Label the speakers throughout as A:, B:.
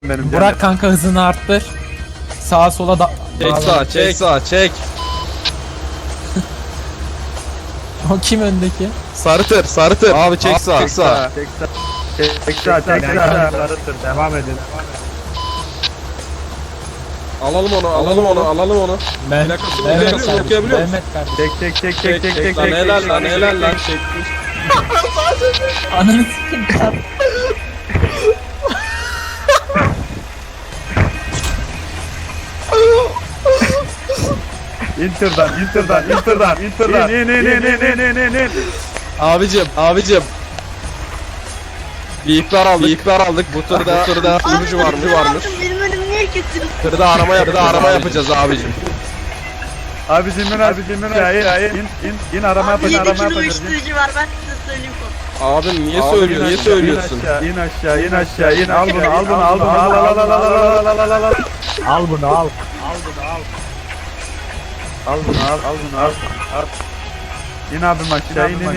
A: benim.
B: Burak kanka hızını arttır. Sağa sola da...
C: Çek sağa, çek sağa, çek.
B: O kim öndeki?
C: Sarı tır, sarı tır. Abi çek sağa, çek sağa.
A: Çek sağa. Devam edin.
C: Alalım onu, alalım onu, alalım onu. Plakasını okuyabiliyor musun?
B: Mehmet kardeşim.
A: Çek.
C: Lan helal lan, helal lan. Çekmiş.
B: Ananı sikim çarp.
A: İnter'dan. İn.
C: Abicim. Bir ihbar aldık. Bu turda sürücü varmış.
D: Benim önümü niye kestiniz?
C: Tırda arama yapacağız abicim.
A: Abicim in arama
D: Abi 7
A: yapacağız.
D: kilo uyuşturucu var ben size söyleyeyim konu.
C: Abim niye söylüyorsun?
A: İn aşağı in. Al bunu. Al. İn abim aşağı in.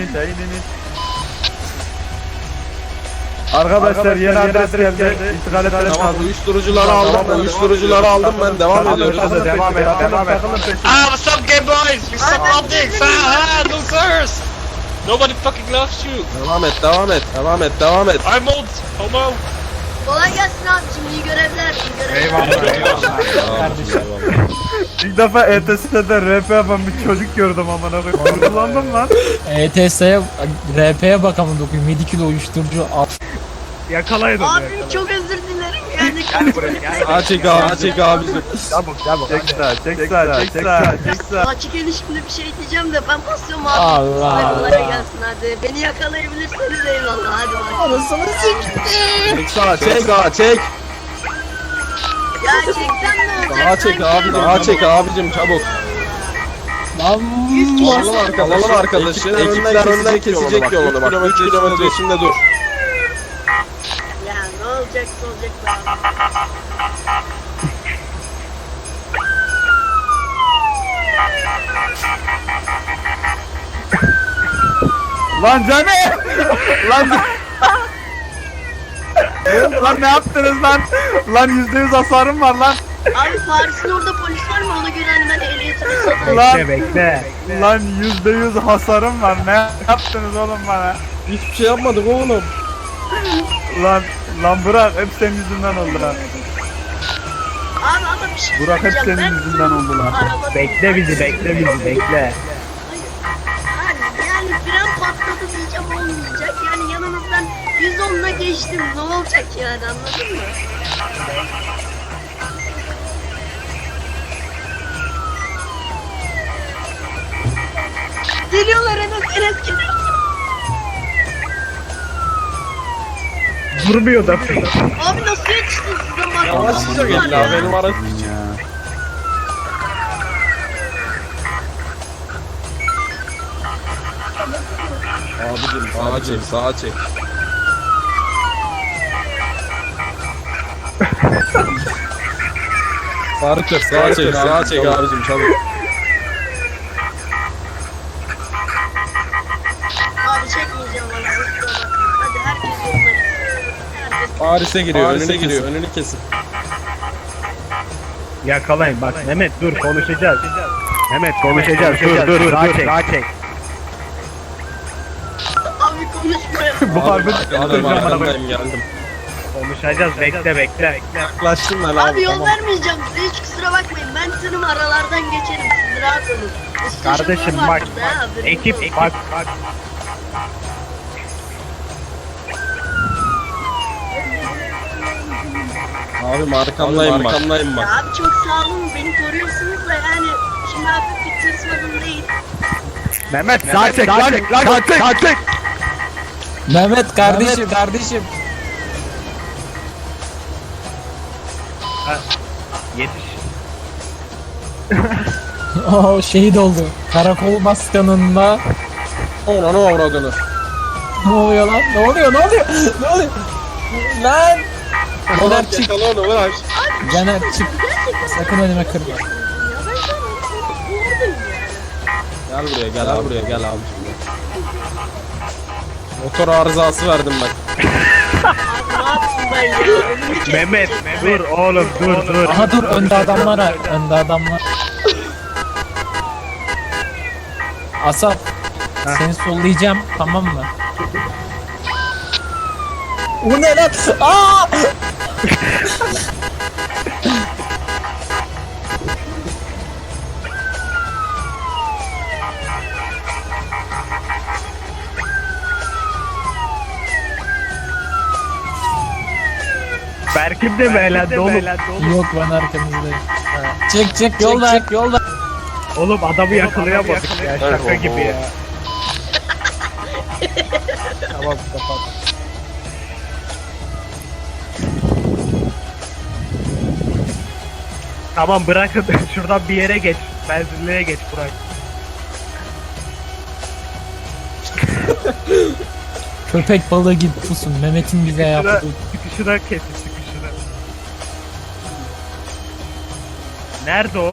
A: Arkadaşlar yeni adres geldi. İntikal etmeniz
C: Tamam,
A: lazım.
C: uyuşturucuları aldım ben. Devam ediyoruz.
A: Devam et.
E: What's up, gay boys? We suck optics. Losers. Nobody fucking loves you.
C: Devam et.
E: I'm old. Homo.
D: Kolay gelsin abicim iyi görevler.
B: Kardeşim.
A: İlk defa ETS'de RP yapan bir çocuk gördüm amına koyayım. Kullandım lan.
B: ETS'ye, RP'ye bakalım dokuyum. 7 kilo uyuşturucu al.
D: Abim çok özür dilerim yani.
C: Çek abicim.
A: Çek sağa.
D: Açık ilişkimde bir şey diyeceğim de ben basıyorum abi.
B: Allah
D: Hadi
B: Allah.
D: kolay gelsin hadi. Beni yakalayabilirseniz eyvallah hadi bak.
B: Anasını sikti.
C: Çek.
D: Ya çeksen ne olacak?
C: Sağa çek abicim çabuk.
B: Lan.
C: Alalım arkadaşı. Ekipler önden kesecek yolunu bak. 3 kilometre içinde dur.
D: Ya ne olacaksa olacak be abi.
A: Lan Cani! Lan ne yaptınız lan? Lan %100 hasarım var lan.
D: Abi Paris'in orada polis var mı? Ona göre hani ben ehliyetimi satayım.
A: Lan %100 hasarım var. Ne yaptınız oğlum bana?
C: Hiçbir şey yapmadık oğlum.
A: Lan Burak hep senin yüzünden oldu lan.
D: Abi ama bir şey
A: Burak hep
D: söyleyeceğim.
A: senin
D: Ben
A: yüzünden oldu lan.
D: araba-
F: Bekle bizi bekle.
D: Yani fren patladı diyeceğim olmayacak. Yani yanınızdan 110'la geçtim. Ne olacak yani anladın mı? Geliyorlar Enes geliyor.
F: Durmuyor da.
D: Abi nasıl yetiştin size bak.
C: Yavaşça gel la benim araç. Abicim sağa çek. Sağa çek abicim çabuk.
D: Abi çekmeyeceğim valla. kusura bakma. Hadi herkes yoluna gitsin. Herkes
C: Paris'e giriyor, önünü kesin.
F: Yakalayın bak Mehmet dur konuşacağız. Dur daha çek.
D: abi konuşmuyor.
A: Bu harbi
C: Geldim.
F: Konuşacağız bekle.
C: Yaklaştım ben
D: Abi yol vermeyeceğim size hiç kusura bakmayın. Ben senin aralardan geçerim siz rahat olun. Usta
F: Kardeşim
D: şoför var
F: bak
D: burada, ha, haberiniz
F: ekip
D: olsun.
F: bak.
C: Abi arkamdayım bak.
D: Ya abi çok sağ olun beni koruyorsunuz da yani şimdi hafif bir tırsmadım değil.
F: Mehmet sağ çek.
B: Mehmet kardeşim.
F: Yetiş.
B: O şehit oldu. Karakol başkanında.
C: Ona ne avradını.
B: Ne oluyor lan? Ne oluyor? Lan! Caner çık.
C: Yakala onu bırak.
B: Caner çık. Sakın önüme kırma.
D: Ya ben şu an buradayım yani.
C: Gel buraya gel abicim. Motor arızası verdim ben.
D: Ne yaptım ben ya? Önümü kesecek.
F: Mehmet dur oğlum dur.
B: Aha dur önde adamlar var. Önde adamlar. Asaf. Seni sollayacağım tamam mı? O ne lan? Aa!
F: Berkim de mi elendi oğlum?
B: Yok ben arkanızdayım. Çek yolda.
F: Oğlum adamı yakalayamadık ya şaka gibi ya.
B: Tamam kapat.
F: Tamam bırakın şuradan bir yere geç. Benzinliğe geç Burak.
B: Köpek balığı gibi pusun. Mehmet'in bize yaptığı.
F: Çıkışına kesin çıkışına. Nerede o?